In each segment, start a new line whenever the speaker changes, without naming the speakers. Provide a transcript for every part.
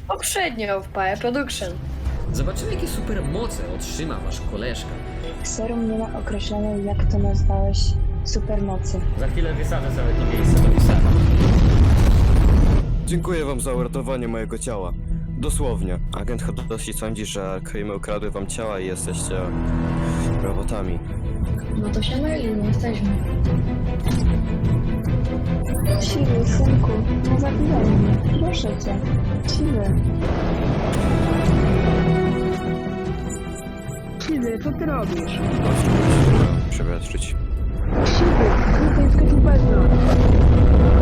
Poprzednio w Pae Production.
Zobaczymy, jakie super moce otrzyma wasz koleżka.
Serum nie ma określonej, jak to nazwałeś, supermocy.
Za chwilę wysadzę sobie to miejsce do pisania.
Dziękuję wam za uratowanie mojego ciała. Dosłownie. Agent Hadoshi sądzi, że Krymy ukradły wam ciała i jesteście robotami.
No to się myli, nie jesteśmy.
Siwy, synku, nie zabijaj mnie, proszę cię. Siwy.
Siwy, co ty robisz?
Przewiadczyć.
Siwy, to jesteś bez nas.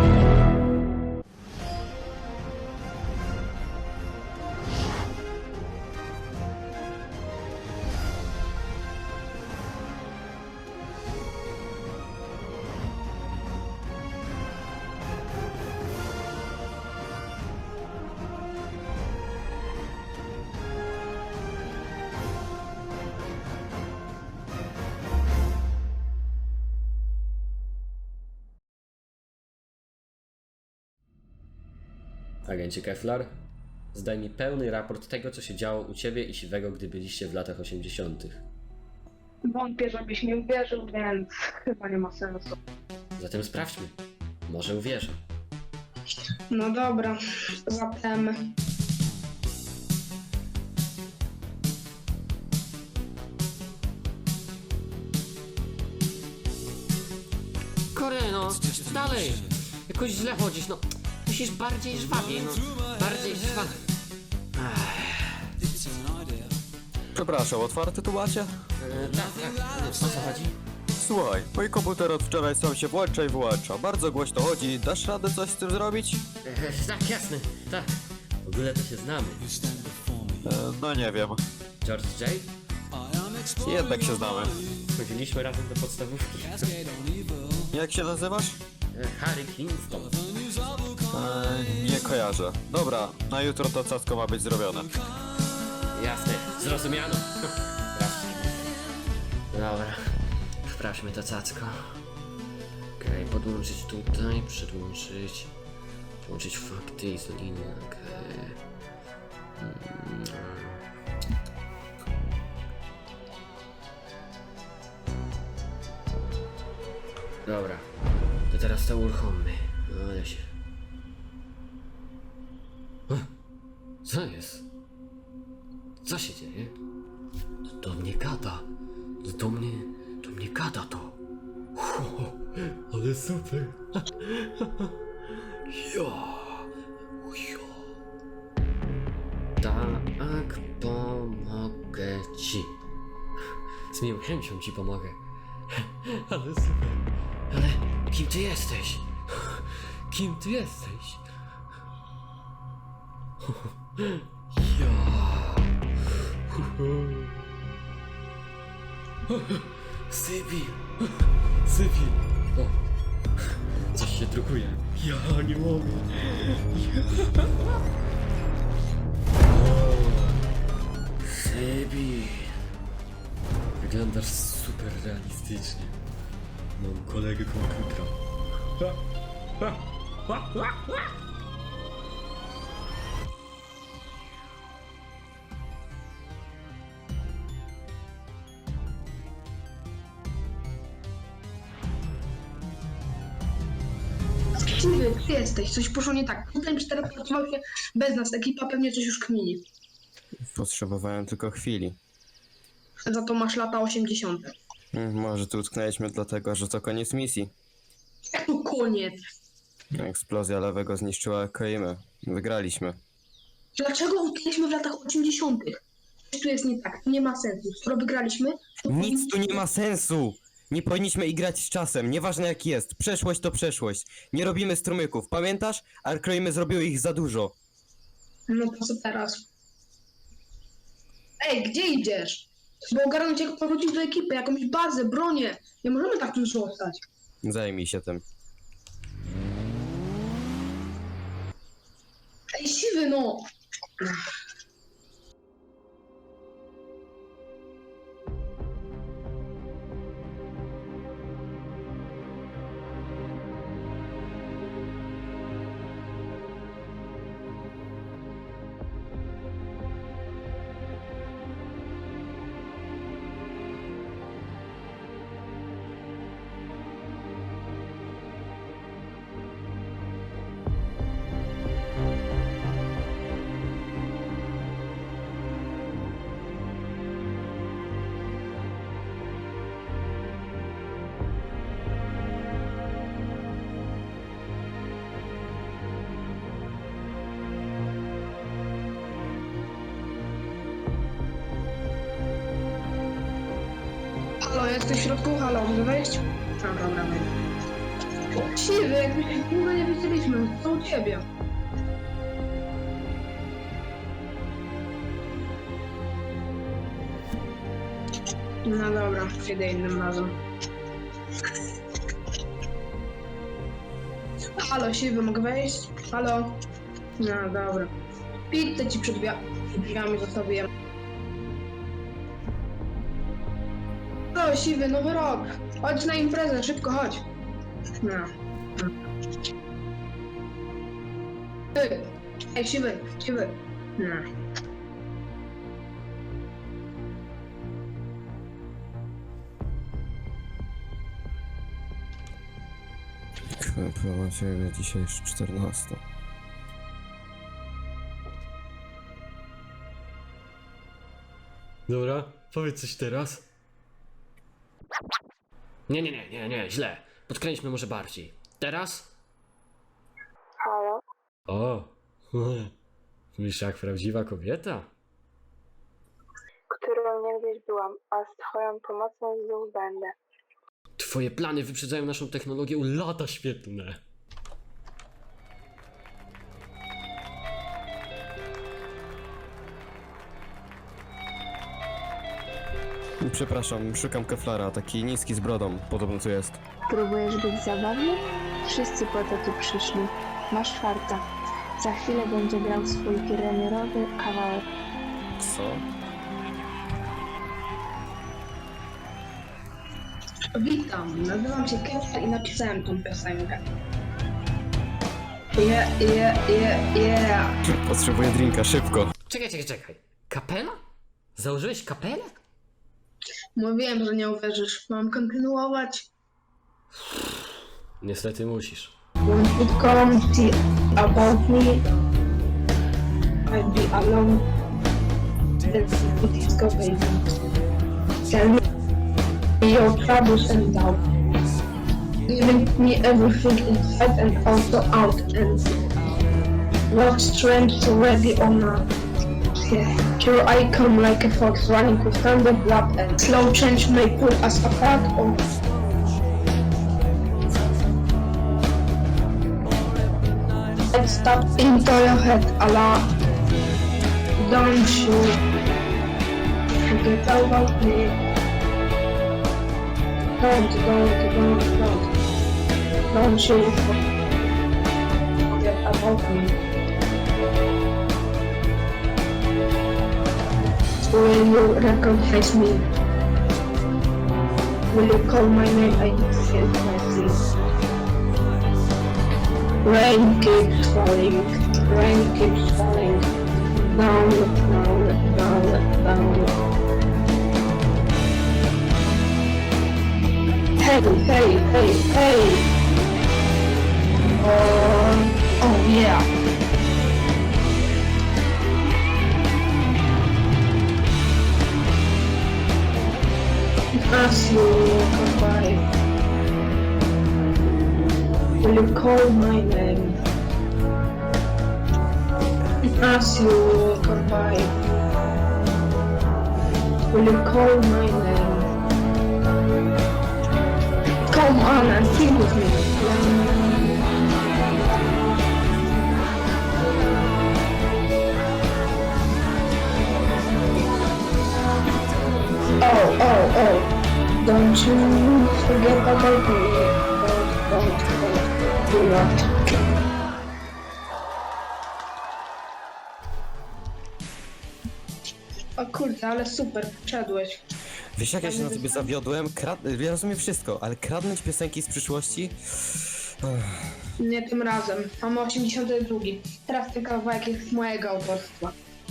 Agencie Keflar, zdaj mi pełny raport tego, co się działo u ciebie i Siwego, gdy byliście w latach 80.
Wątpię, żebyś mi uwierzył, więc chyba nie ma sensu.
Zatem sprawdźmy. Może uwierzę.
No dobra, zatem...
Koreno, dalej! Jakoś źle chodzisz, no. Musisz bardziej żwawiej, no. Bardziej żwawiej.
Przepraszam, otwarte tu macie?
Tak. O co chodzi?
Słuchaj, mój komputer od wczoraj sam się włącza i wyłącza. Bardzo głośno chodzi. Dasz radę coś z tym zrobić?
Tak, jasne, tak. W ogóle to się znamy.
No nie wiem.
George J?
Jednak się znamy.
Chodziliśmy razem do podstawówki.
Jak się nazywasz?
Harry Kingston.
Nie kojarzę. Dobra, na jutro to cacko ma być zrobione.
Jasne, zrozumiano. Sprawdźmy. Dobra, sprawdźmy to cacko. Okej, podłączyć tutaj, przedłączyć. Połączyć fakty i linię. Okej. Dobra, to teraz to uruchommy. No ale się... Co jest? Co się dzieje? To do mnie gada. Do mnie gada to. Ale super. Tak, pomogę ci. Z miłą chęcią ci pomogę. Ale super. Ale kim ty jesteś? Kim ty jesteś? Sybil! Sybil! O! Coś się drukuje. Ja nie mogę. Sybil! Wyglądasz super realistycznie. Mam kolegę komputera.
Siwy, ty jesteś, coś poszło nie tak. Potem 4 pracował się bez nas, ekipa pewnie coś już kmini.
Potrzebowałem tylko chwili.
Za to masz lata 80.
Może tu utknęliśmy dlatego, że to koniec misji.
Jak to koniec?
Eksplozja lewego zniszczyła Koimę. Wygraliśmy.
Dlaczego utknęliśmy w latach 80.? Coś tu jest nie tak, nie ma sensu. Skoro wygraliśmy, to
Nic tu nie ma sensu! Nie powinniśmy igrać z czasem, nieważne jak jest. Przeszłość to przeszłość. Nie robimy strumyków, pamiętasz? A Kroimy zrobiły ich za dużo.
No to co teraz? Ej, gdzie idziesz? Bo ogarnąć jak powrócić do ekipy, jakąś bazę, bronię. Nie możemy tak tu zostać.
Zajmij się tym.
Ej, siwy no! Halo, jesteś w środku? Halo, mogę wejść? A, dobra, wejdę. Siwy, jak my się długo nie widzieliśmy, co u ciebie? No dobra, przyjdę innym razem. Halo, Siwy, mogę wejść? Halo? No dobra. Pizzę ci przed drzwiami zostawiłem. Halo, Siwy, nowy rok. Chodź na imprezę, szybko chodź. No. Ej, Siwy. No.
Chyba ciebie dzisiaj już 14.
Dobra, powiedz coś teraz. Nie, źle. Podkręćmy może bardziej. Teraz?
Halo?
O, myślisz jak prawdziwa kobieta?
Którą niegdyś byłam, a z twoją pomocą znów będę.
Twoje plany wyprzedzają naszą technologię o lata świetlne.
Przepraszam, szukam keflara, taki niski z brodą, podobno tu jest.
Próbujesz być zabawny? Wszyscy po to tu przyszli. Masz farta. Za chwilę będzie grał swój premierowy kawałek.
Co?
Witam, nazywam się Kefir i napisałem tą piosenkę. Yeah.
Potrzebuję drinka, szybko.
Czekaj. Kapela? Założyłeś kapelę?
Mówiłem, że nie uwierzysz. Mam kontynuować.
Niestety musisz.
When it comes about me, I'd be alone. Let's disco, baby. Tell me your troubles and doubt. Giving me everything inside and also out. And what strength ready or not. Here I come like a fox running with thunder blood and slow change may pull us apart or let's stop into your head, Allah. Don't you forget about me. Don't you forget about me. Will you recognize me? Will you call my name? I can't see. Rain keeps falling. Down. Hey. Oh yeah. As you come by, will you call my name? As you come by, will you call my name? Come on and sing with me. Oh. Don't you forget about me. Do not. O kurde, ale super, wszedłeś.
Wiesz jak ja się na tobie zawiodłem? Ja rozumiem wszystko, ale kradnąć piosenki z przyszłości?
Nie tym razem. Mamy 82. Teraz ten kawałek jest mojego autorstwa.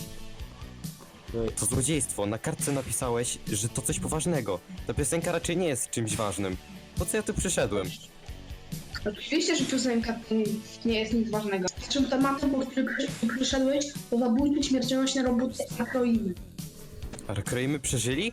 To złodziejstwo, na kartce napisałeś, że to coś poważnego. Ta piosenka raczej nie jest czymś ważnym. Po co ja tu przyszedłem?
Oczywiście, że piosenka to nie jest nic ważnego. Naszym tematem, po który przyszedłeś, to zabójcy śmiercionośne roboty akroimy.
Arkroimy przeżyli?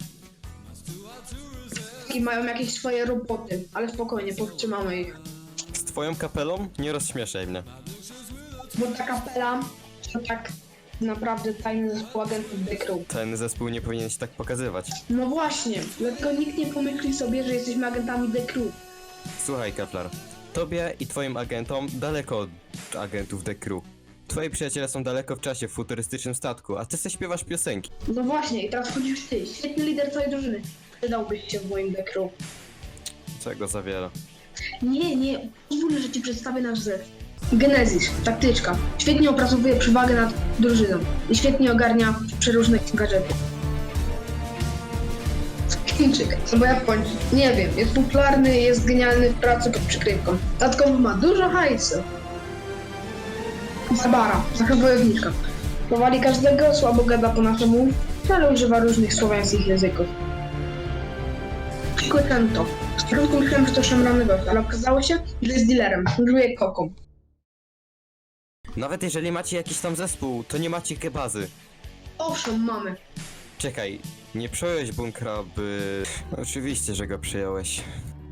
I mają jakieś swoje roboty, ale spokojnie, powstrzymamy ich.
Z twoją kapelą? Nie rozśmieszaj mnie.
Bo ta kapela to tak naprawdę tajny zespół agentów The Crew.
Ten zespół nie powinien się tak pokazywać.
No właśnie, dlatego nikt nie pomyśli sobie, że jesteśmy agentami The Crew.
Słuchaj, Keflar. Tobie i twoim agentom daleko od agentów The Crew. Twoi przyjaciele są daleko w czasie w futurystycznym statku, a ty se śpiewasz piosenki.
No właśnie, i teraz wchodzisz ty, świetny lider całej drużyny. Przydałbyś się w moim The Crew.
Czego za wiele.
Nie, pozwól, że ci przedstawię nasz zespół. Genesis, taktyczka. Świetnie opracowuje przewagę nad drużyną i świetnie ogarnia przeróżne gadżety. Chińczyk, albo Japończyk, nie wiem, jest popularny, jest genialny w pracy pod przykrywką. Dodatkowo ma dużo hajsu. Zabara, taka wojowniczka. Powali każdego, słabo gada po naszemu, ale używa różnych słowiańskich języków. Kłykento. Z początku myślałem, że to szemrany gość, ale okazało się, że jest dealerem. Handluje koką.
Nawet jeżeli macie jakiś tam zespół, to nie macie kebazy.
Owszem, mamy.
Czekaj, nie przejąłeś bunkra, by... Oczywiście, że go przyjąłeś.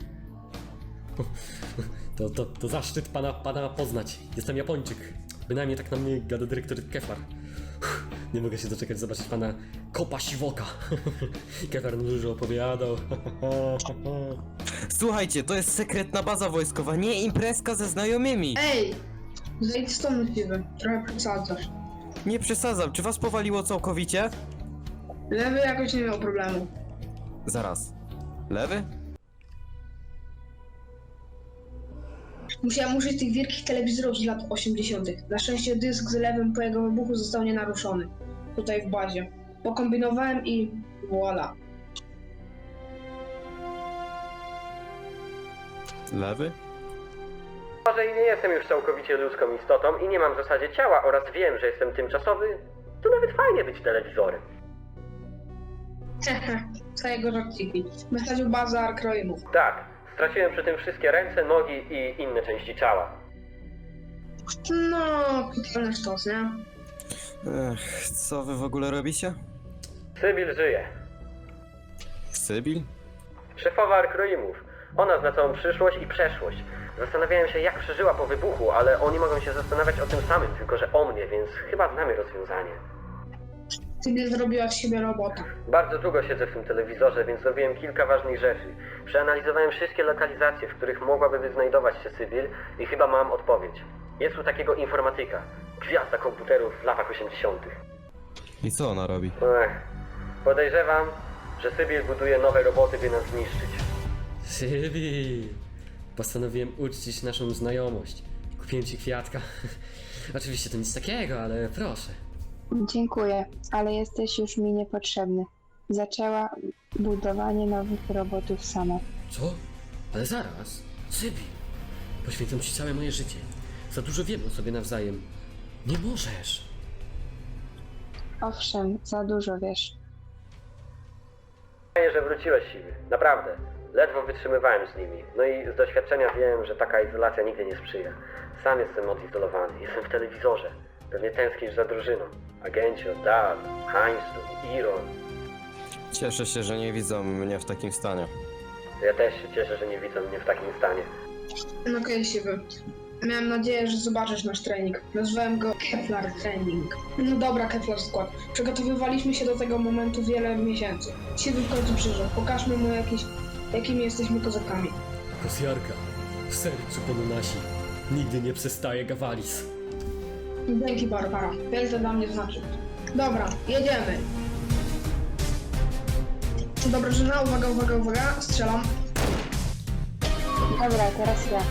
To zaszczyt pana poznać. Jestem Japończyk. Bynajmniej tak na mnie gada dyrektor Keflar. Nie mogę się doczekać zobaczyć pana Kopa Siwoka. Keflar nam dużo opowiadał.
Słuchajcie, to jest sekretna baza wojskowa, nie imprezka ze znajomymi.
Ej! Zejdź stąd siwy, trochę przesadzasz.
Nie przesadzam, czy was powaliło całkowicie?
Lewy jakoś nie miał problemu.
Zaraz. Lewy?
Musiałem użyć tych wielkich telewizorów z lat 80. Na szczęście dysk z lewym po jego wybuchu został nienaruszony. Tutaj w bazie. Pokombinowałem i voila.
Lewy?
Może i nie jestem już całkowicie ludzką istotą i nie mam w zasadzie ciała oraz wiem, że jestem tymczasowy, to nawet fajnie być telewizorem.
Hehe, całego żarciki. Wysadził bazę Arkroimów.
Tak, straciłem przy tym wszystkie ręce, nogi i inne części ciała.
No, totalny sztos, nie?
Ech, co wy w ogóle robicie?
Sybil żyje.
Sybil?
Szefowa Arkroimów. Ona zna całą przyszłość i przeszłość. Zastanawiałem się, jak przeżyła po wybuchu, ale oni mogą się zastanawiać o tym samym, tylko że o mnie, więc chyba znamy rozwiązanie.
Sybil zrobiła z siebie robota.
Bardzo długo siedzę w tym telewizorze, więc zrobiłem kilka ważnych rzeczy. Przeanalizowałem wszystkie lokalizacje, w których mogłaby znajdować się Sybil i chyba mam odpowiedź. Jest tu takiego informatyka. Gwiazda komputerów w latach 80.
I co ona robi?
Podejrzewam, że Sybil buduje nowe roboty, by nas zniszczyć.
Sybil! Postanowiłem uczcić naszą znajomość. Kupiłem ci kwiatka. Oczywiście to nic takiego, ale proszę.
Dziękuję, ale jesteś już mi niepotrzebny. Zaczęła budowanie nowych robotów sama.
Co? Ale zaraz. Sybil! Poświęcam ci całe moje życie. Za dużo wiemy o sobie nawzajem. Nie możesz!
Owszem, za dużo wiesz.
Fajnie, że wróciłeś, Siwy. Naprawdę. Ledwo wytrzymywałem z nimi. No i z doświadczenia wiem, że taka izolacja nigdy nie sprzyja. Sam jestem odizolowany. Jestem w telewizorze. Pewnie tęsknisz za drużyną. Agencio, Dal, Heinzu, Iron.
Cieszę się, że nie widzą mnie w takim stanie.
Ja też się cieszę, że nie widzą mnie w takim stanie.
No okej, siwy. Miałem nadzieję, że zobaczysz nasz trening. Nazwałem go Keflar Training. No dobra, Keflar Skład. Przygotowywaliśmy się do tego momentu wiele miesięcy. Siwy w końcu przyszedł. Pokażmy mu jakimi jesteśmy kozakami.
Kosjarka, w sercu ponunasi. Nigdy nie przestaje Gawalis.
Dzięki, Barbara. Wiele to dla mnie znaczy. Dobra, jedziemy. Dobra, żena, uwaga, strzelam.
Dobra, teraz ja.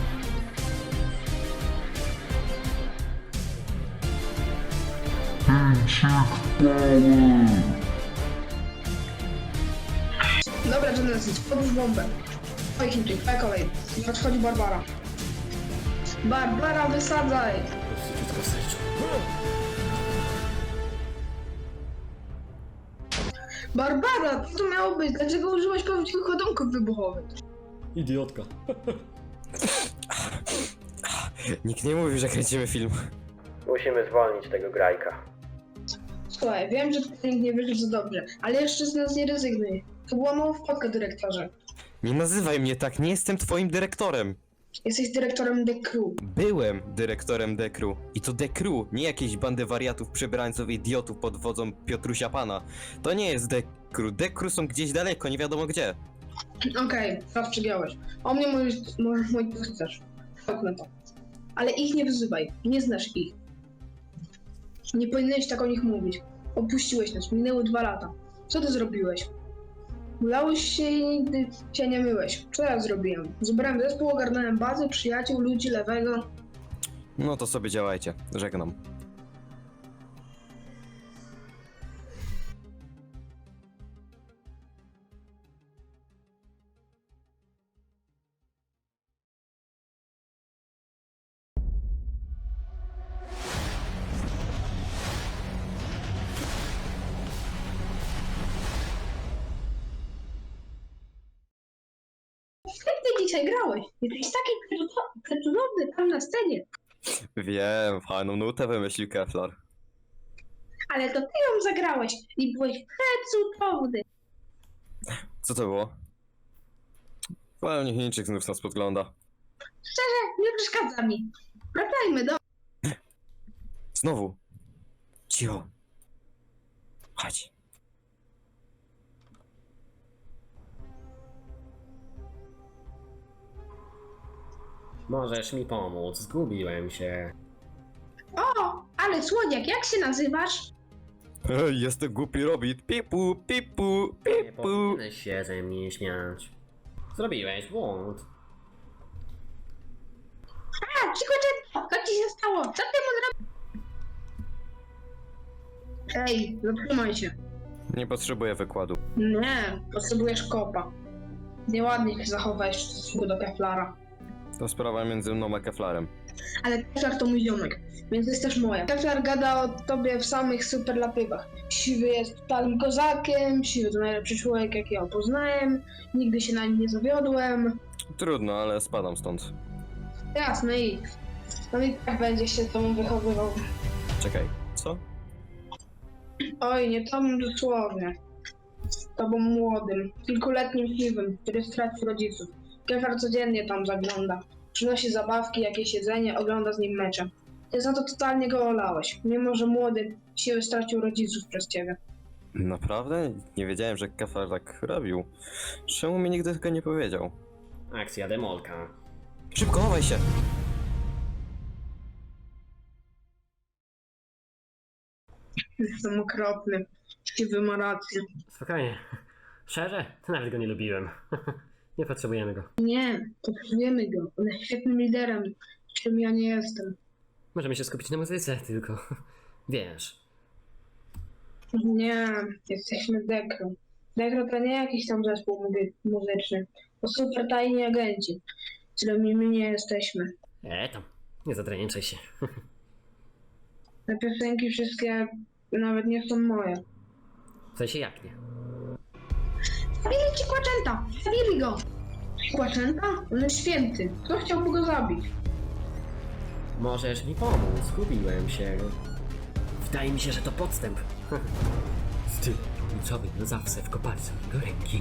Dobra, Genesis, podłóż bombę. Oj, Chińczyk, twoja kolej. Nadchodzi Barbara. Barbara, wysadzaj!
Prostytutka w sercu.
Barbara, co to miało być? Dlaczego użyłaś prawdziwych ładunków wybuchowych?
Idiotka.
Nikt nie mówi, że kręcimy film.
Musimy zwolnić tego grajka.
Słuchaj, wiem, że tutaj nikt nie wyszedł za dobrze, ale jeszcze z nas nie rezygnuj. To była mała wpadka, dyrektorze.
Nie nazywaj mnie tak, nie jestem twoim dyrektorem.
Jesteś dyrektorem The Crew.
Byłem dyrektorem Dekru. I to Dekru, nie jakieś bandy wariatów, przebrańców, idiotów pod wodzą Piotrusia Pana. To nie jest Dekru. Dekru są gdzieś daleko, nie wiadomo gdzie.
Okej, raz przegiąłeś. O mnie możesz mówić co chcesz. Tak na to. Ale ich nie wyzywaj. Nie znasz ich. Nie powinieneś tak o nich mówić. Opuściłeś nas. Minęły 2 lata. Co ty zrobiłeś? Mulałeś się i nigdy się nie myłeś. Co ja zrobiłem? Zebrałem zespół, ogarnąłem bazę, przyjaciół, ludzi lewego.
No to sobie działajcie. Żegnam.
Jak ty dzisiaj grałeś? Jesteś taki cudowny tam na scenie.
Wiem, fajną nutę wymyślił Keflar.
Ale to ty ją zagrałeś i byłeś przecudowny.
Co to było? Pewnie Chińczyk znów nas podgląda.
Szczerze, nie przeszkadza mi. Wracajmy do...
Znowu. Cicho. Chodź.
Możesz mi pomóc, zgubiłem się.
O, ale słodziak, jak się nazywasz?
Hej, jestem głupi Robit. Pipu, pipu,
Nie
pipu.
powinieneś się ze mnie śmiać. Zrobiłeś błąd.
A, Chico, co ci się stało? Co ty mu zrobił? Ej, zatrzymaj się.
Nie potrzebuję wykładu.
Nie, potrzebujesz kopa. Nieładnie się zachowałeś w stosunku do Keflara.
To sprawa między mną a Keflarem.
Ale Keflar to mój ziomek, więc jest też moja. Keflar gada o tobie w samych superlatywach. Siwy jest totalnym kozakiem, Siwy to najlepszy człowiek, jaki ja poznałem, nigdy się na nim nie zawiodłem.
Trudno, ale spadam stąd.
Jasne i on i tak będzie się z tobą wychowywał.
Czekaj, co?
Oj, nie tobą dosłownie. Z tobą młodym, kilkuletnim Siwym, który stracił rodziców. Keflar codziennie tam zagląda. Przynosi zabawki, jakieś jedzenie, ogląda z nim mecze. Ty za to totalnie go olałeś, mimo że młody Siwy stracił rodziców przez ciebie.
Naprawdę? Nie wiedziałem, że Keflar tak robił. Czemu mi nigdy tego nie powiedział?
Akcja demolka.
Szybko, chowaj się!
Jestem okropny. Siwy ma rację.
Spokojnie. Szczerze? Nawet go nie lubiłem. Nie potrzebujemy go.
Nie, potrzebujemy go. On jest świetnym liderem, czym ja nie jestem.
Możemy się skupić na muzyce, tylko... Wiesz.
Nie, jesteśmy Dekro. Dekro to nie jakiś tam zespół muzyczny. To super tajni agenci, którymi my nie jesteśmy.
Tam. Nie zadreniczaj się.
Te piosenki wszystkie nawet nie są moje.
W sensie jak nie?
Zabili ci Kłaczęta! Zabili go! Kłaczęta? On jest święty. Kto chciałby go zabić?
Możesz mi pomóc, zgubiłem się. Wydaje mi się, że to podstęp. Styl kluczowy na zawsze w kopalce do ręki.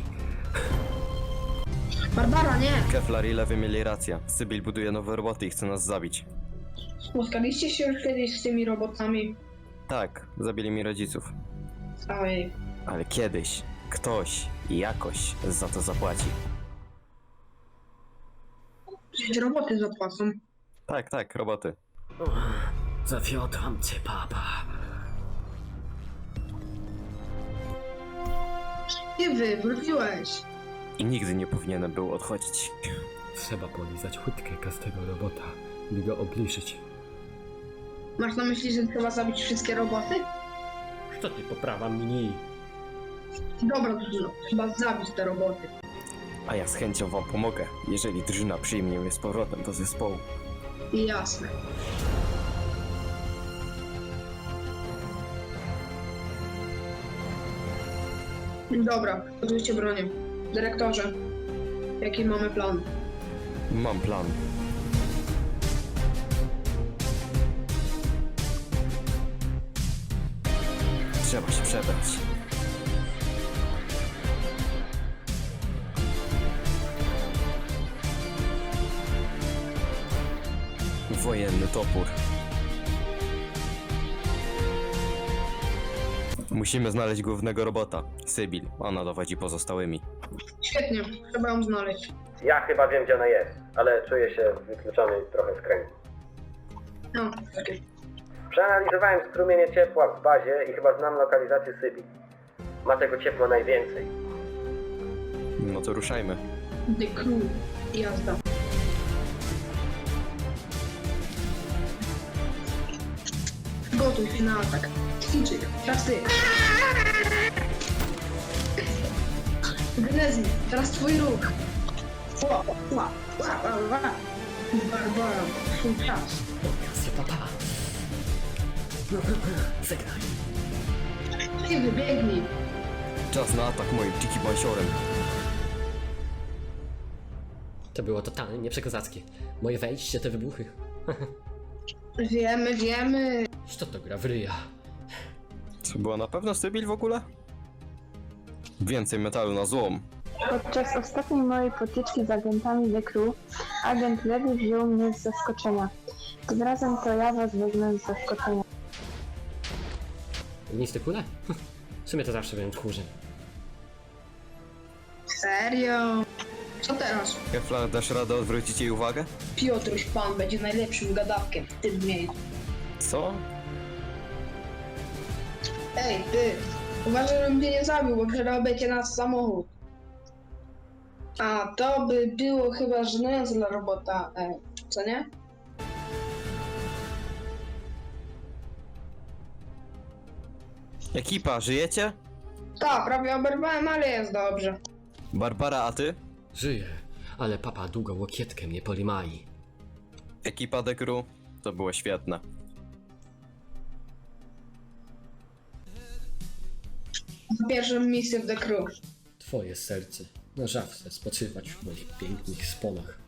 Barbara, nie!
Keflar i Lewy mieli rację. Sybil buduje nowe roboty i chce nas zabić.
Spotkaliście się już kiedyś z tymi robotami?
Tak, zabili mi rodziców.
Oj,
Ale kiedyś ktoś i jakoś za to zapłaci.
przecież roboty zapłacą.
Tak, roboty.
Zawiodłam cię, papa.
Ty wróciłeś.
I nigdy nie powinienem był odchodzić.
Trzeba polizać łydkę każdego robota, by go obliczyć.
Masz na myśli, że trzeba zabić wszystkie roboty?
Co ty, poprawa mini?
Dobra, drużyno, trzeba zabić te roboty.
A ja z chęcią wam pomogę, jeżeli drużyna przyjmie mnie z powrotem do zespołu.
Jasne. Dobra, podróżcie bronię. Dyrektorze, jaki mamy plan?
Mam plan. Trzeba się przebrać. Wojenny topór. Musimy znaleźć głównego robota, Sybil. Ona dowodzi pozostałymi.
Świetnie, trzeba ją znaleźć.
Ja chyba wiem, gdzie ona jest, ale czuję się wykluczony trochę z kręgu.
No, takie.
Przeanalizowałem strumienie ciepła w bazie i chyba znam lokalizację Sybil. Ma tego ciepła najwięcej.
No to ruszajmy.
The Crew. Jazda. Gotuj się na atak. Ćwiczyk, teraz ty. Genezji, teraz twój ruch. Ła, ła, ła, ła, ła. Barbara, twój czas.
Okazja, papa. Zagraj.
Ty wybiegnij.
Czas na atak moim dziki bansiorem.
To było totalnie nieprzekozackie. Moje wejście, te wybuchy.
Wiemy.
Co to gra w ryja?
To była na pewno Sybil w ogóle? Więcej metalu na złom.
Podczas ostatniej mojej potyczki z agentami The Crew, agent Lewy wziął mnie z zaskoczenia. Tym razem to ja was wezmę z zaskoczenia.
Ognisty kule? W sumie to zawsze byłem tchórzem.
Serio? Co teraz?
Keflar, dasz radę odwrócić jej uwagę?
Piotruś Pan będzie najlepszym gadawkiem w tym miejscu.
Co?
Ej, ty! Uważaj, żebym cię nie zabił, bo przerobę cię na samochód. A to by było chyba żenujące dla robota, co nie?
Ekipa, żyjecie?
Tak, prawie oberwałem, ale jest dobrze.
Barbara, a ty?
Żyję, ale papa długo łokietkę mnie polimai.
Ekipa The Crew? To było świetne.
Pierwszą misję w The Crew.
Twoje serce na żawce spoczywać w moich pięknych sponach.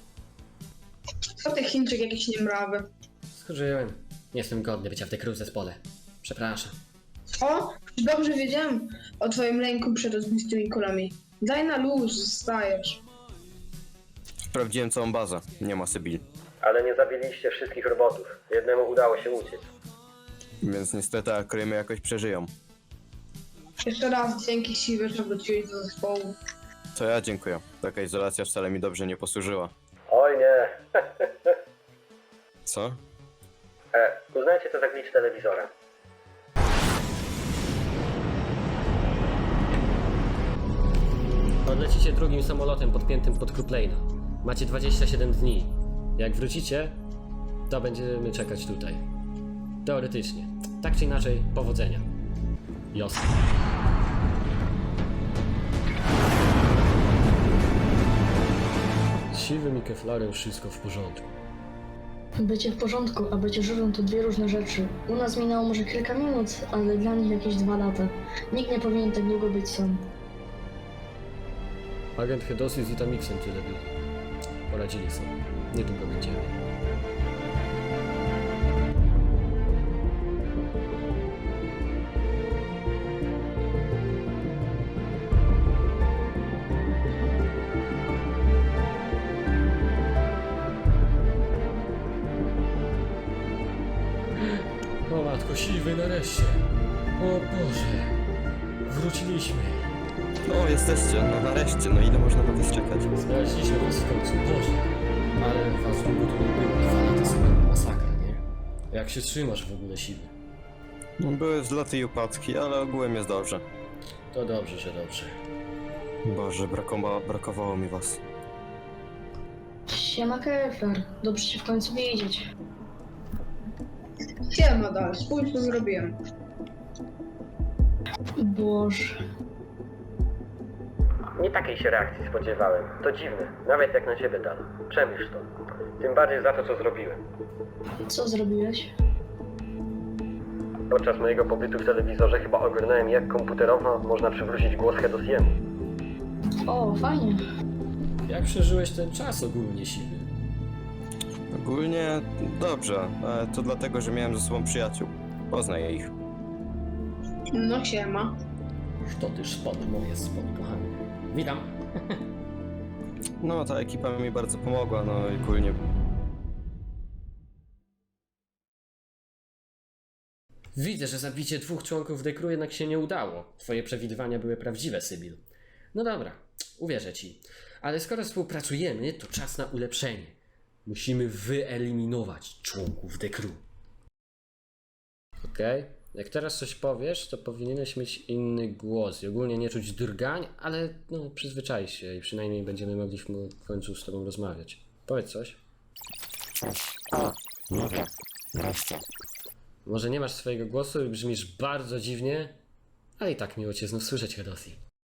Co ty Chińczyk jakiś niemrawy?
Skurzyłem. Nie jestem godny bycia w tej kruze zespole. Przepraszam.
O, dobrze wiedziałem o twoim lęku przed rozbistymi kulami. Daj na luz, zostajesz.
Sprawdziłem całą bazę. Nie ma Sybil.
Ale nie zabiliście wszystkich robotów. Jednemu udało się uciec.
Więc niestety akrymy jakoś przeżyją.
Jeszcze raz dzięki siły, że wróciłeś do zespołu.
To ja dziękuję. Taka izolacja wcale mi dobrze nie posłużyła.
Oj nie.
Co?
Uznajcie to za glitch telewizora.
Odlecicie drugim samolotem podpiętym pod Kruplejna. Macie 27 dni. Jak wrócicie, to będziemy czekać tutaj. Teoretycznie. Tak czy inaczej, powodzenia. Jasne. Z Siwym i Keflarem wszystko w porządku.
Bycie w porządku, a bycie żywym to dwie różne rzeczy. U nas minęło może kilka minut, ale dla nich jakieś 2 lata. Nikt nie powinien tak długo być sam.
Agent Hedosy z Itamixem tyle byli. Poradzili sobie. Niedługo będziemy. O matko, Siwy nareszcie. O Boże. Wróciliśmy.
No, jesteście. No nareszcie. No ile można na was czekać?
Znaleźliśmy was w końcu. Boże. Ale was długo tu nie było. 2 lata sobie masakra, nie? Jak się trzymasz w ogóle, Siwy?
No, były wzloty i upadki, ale ogółem jest dobrze.
To dobrze, że dobrze.
Boże, brakowało mi was.
Siema Keflar, dobrze cię w końcu widzieć.
Siema dalej, spójrz co zrobiłem.
Boże.
Nie takiej się reakcji spodziewałem. To dziwne. Nawet jak na ciebie, Dan. Przemyśl to. Tym bardziej za to, co zrobiłem.
Co zrobiłeś?
Podczas mojego pobytu w telewizorze chyba ogarnąłem, jak komputerowo można przywrócić głos Hedosiemu.
O, fajnie.
Jak przeżyłeś ten czas ogólnie, Siwy?
Ogólnie dobrze, ale to dlatego, że miałem ze sobą przyjaciół. Poznaję ich.
No siema.
To też spod moje spod, kochany. Witam.
No, ta ekipa mi bardzo pomogła, no i ogólnie
Widzę, że zabicie 2 członków The Crew jednak się nie udało. Twoje przewidywania były prawdziwe, Sybil. No dobra, uwierzę ci. Ale skoro współpracujemy, to czas na ulepszenie. Musimy wyeliminować członków The Crew. Okej. Jak teraz coś powiesz, to powinieneś mieć inny głos i ogólnie nie czuć drgań, ale no przyzwyczaj się i przynajmniej będziemy mogli w końcu z tobą rozmawiać. Powiedz coś. Może nie masz swojego głosu i brzmisz bardzo dziwnie, ale i tak miło cię znów słyszeć, Hedosi.